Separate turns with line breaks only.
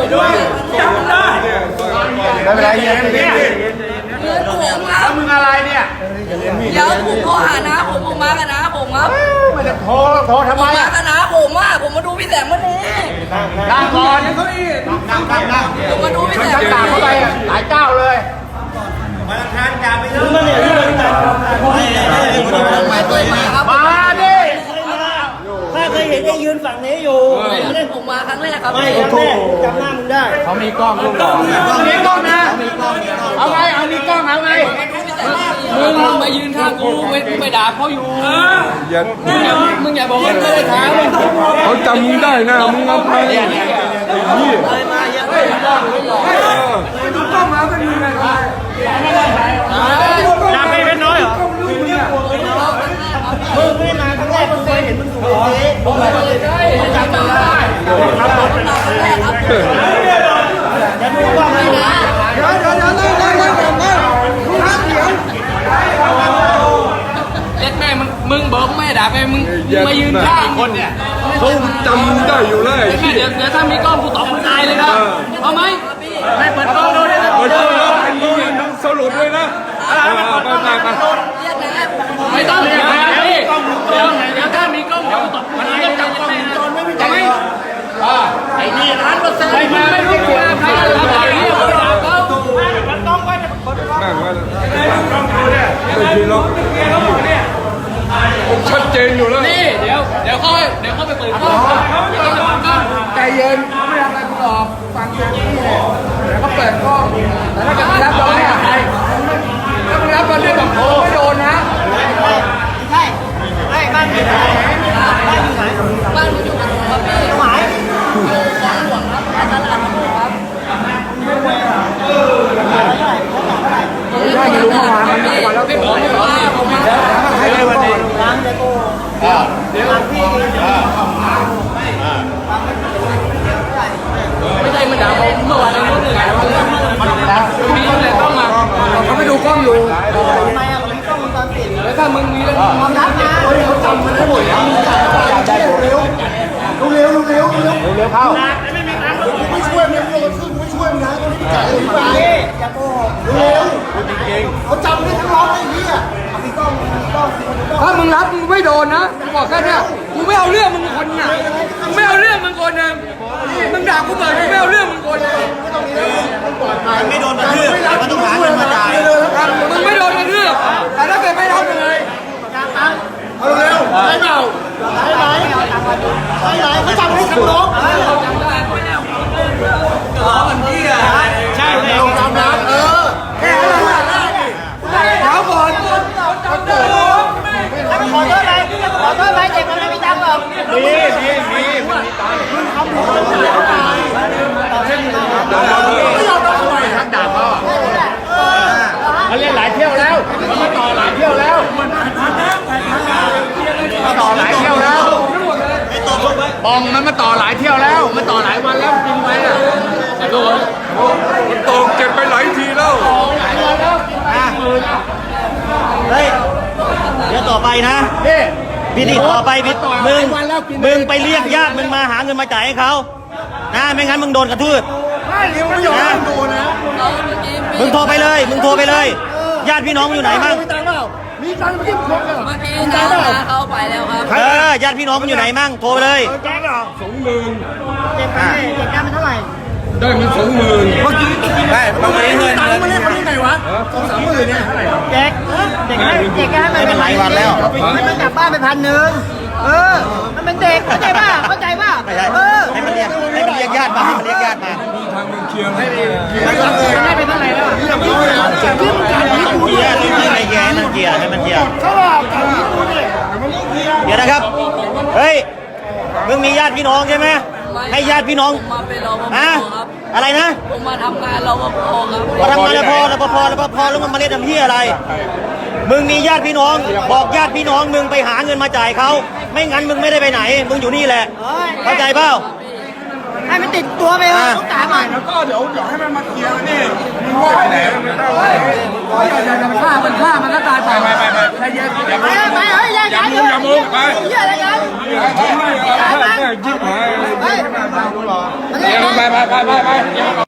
ด้วยจำได้
ไม่เป็นไรเนี่ย
เงินผมครับ
มึงอะไรเนี่ย
เดี๋ยวผมโทรหานะผมมากันนะผมครับ
ไม่ได้โทรทำไม
มากันนะผมมาดูพี่แสงวันนี้
นั่งก่อนนั่ง
ผมมาดูพี่แสง
ตามเข้าไปหลายเจ้าเลย
มาทานจ่าไปเลยมา
ดิ
ข้าเคยเห็นไอ้ยืนฝั่งนี้อยู่
ไม่ได้ผมมาครั้งแรกครับ
ไม่ครั้งแรกจำหน้ามึงได้
เขามีกล้องลูกหล่อมีกล้องนะเอาไงเอามีกล้องเอาไง
มึงมายืนข้างกูไม่ด่าเขาอยู่มึงอย่าบอกว่าไม่ได้ท้า
เขาจำมึงได้นะมึงเอาไปนี่
ต้องมาเป็นยังไง
จำไม่เป็นน้อยเหรอมึงไม่มาครั้งแรกมึงเคยเห็นมึงถูกเลย
ผมจำได้
จะดูว่าไม่นะ
เดี๋ยว
เล็กแม่มึงบอกแม่ด่าไปมึงมายืนข้างคนเนี่ย
เขาจำมึงได้อยู่เลย
เดี๋ยวถ้ามีกล้องกูตอบมึงตายเลยนะเอาไหม
ไม่เปิดกล้องดูเลย
เปิดกล้องแล้วมึงสรุปเลยนะไป
ไม่ต้องเดี๋ยวถ้ามีกล้องกูตอบมันก็จับกล้องจนไม่มีจับไอ้นี่100%ไม่รู้ตัวใครทำอะไรเนี่ยเขาด่าเขา
ต้องไว้
นั่งไว้ไม่ทีล็อกชัดเจนอยู่แล้ว
นี่เดี๋ยวเขาไปเปิดกล้อง
ใจเย็นเขาไม่ทำอะไรกูหรอกฟังอย่างนี้เลยแล้วก็เปิดกล้องแต่ถ้าเกิดรับเราไม่อะไรถ้ามึงรับเราเนี่ยแบบโอ้ไม่โดนนะ
ใช่ไม่บ้านอยู่ไหน
บ้านอยู่กับผมครับพี่
ตรงไหน
อยู่ของหลวงครับตลาดครับ
ได้ไม่รู้เมื่อวานมันวันแล้ว
ไม่บอกผมมา
ให้เลยวันนี้
ล้างเดี๋ยวพี่
ไม่ใช่มันด่าผมเมื่อวานเราพูดถึงไงมีแต่ต้องมา
เขาไปดูกล้องอยู่
ทำไมอ่ะผมต้องวงจรปิด
แล้วถ้ามึงมีเรื่อง
ความลับนะ
เขาจำมันได้หมดแล้วได้เร็วเข้าไม่ช่วยมันโยนซึ่งไม่ช่วยมันนะจ่ายไป
อย่าโกหก
เร็วเขาจำได้ทั้งร้องไอ้นี่อ่ะถ้ามึงรับมึงไม่โดนนะกูบอกแค่นี้กูไม่เอาเรื่องมึงคนน่ะกูไม่เอาเรื่องมึงคนนึงมึงด่ากูเปิดกูไม่เอาเรื่องมึงคนนึง
ไม่โดนกระทืบมันต้องหาเงินมาจ่าย
มึงไม่โดนกระทืบแต่ถ้าเกิดไม่ทำยังไงเอาเร็วใช่เปล่า
ใช่ไหมเขาจำให้ทั้งน้องใช่เลย
จำนะแค่นั้นแหละเดี๋ยวก่อน
แล้วขอโทษไหมขอโทษไหมเด็กมันไม่มีตังค์หรอก
มีมันมีตังค์มึงทำผิดคนเดียวไม่ยอมรับทำไมทักด่าเขามันเล่นหลายเที่ยวแล้วมันมาต่อหลายเที่ยวแล้วมาต่อหลายเที่ยวแล้วบอมมันมาต่อหลายเที่ยวแล้วมันต่อหลายวันแล้วจริงไหมอ่ะ
มันตกเก็บไปหลายทีแล้ว
เฮ้ยเดี๋ยวต่อไปนะพี่ติดต่อไปมึงไปเรียกญาติมึงมาหาเงินมาจ่ายให้เขานะไม่งั้นมึงโดนกระทืบ
ไม่เดี๋ยวไม่ยอมโดนนะ
มึงโทรไปเลยญาติพี่น้องอยู่ไหนบ้าง
มีตังค์เมื่อกี้คน
เมื่อกี้น้าเขาไปแล้วครับ
ญาติพี่น้องมันอยู่ไหนมั่งโทรไปเลย
แจ้งเหรอ
20,000
เจ็บมันเท่าไหร่
ได้มัน20,000
เมื่อกี้
ได้ประมาณนี้เลย
มันเล่นไงวะ2-30,000เนี่ย
เด็กให้มันเป็นหลายวันแล้วให้มันกลับบ้านไปมันเป็นเด็กเข้าใจป่ะให้มันเรียกญาติมา
ทางมึงเคลียร์ให้
ให้ไปเท่าไหร่แล้วที่มันการที่กูเนี่ยให้มันเกียร์เขาบอกการที่กูเนี่ยเดี๋ยวนะครับเฮ้ยมึงมีญาติพี่น้องใช่ไหมให้ญาติพี่น้องอะไรนะ
ผมมาทำงานรปภครับ
มาทำงานรปภแล้วมึงมาเล่นทำเหี้ยอะไรมึงมีญาติพี่น้องบอกญาติพี่น้องมึงไปหาเงินมาจ่ายเขาไม่งั้นมึงไม่ได้ไปไหนมึงอยู่นี่แหละเข้าใจเปล่าให้มันติดตัวไปต้องจ่ายใหม่
แล้วก็เดี๋ยวให้มันมาเคลียร์นี่มึงว่าไปไหนมันได้อย่าฆ่ามันก็ตายไปใจเย็น
อย่ามุงไป
เหี้ยอะไรกัน
ยิ้มหายไปไป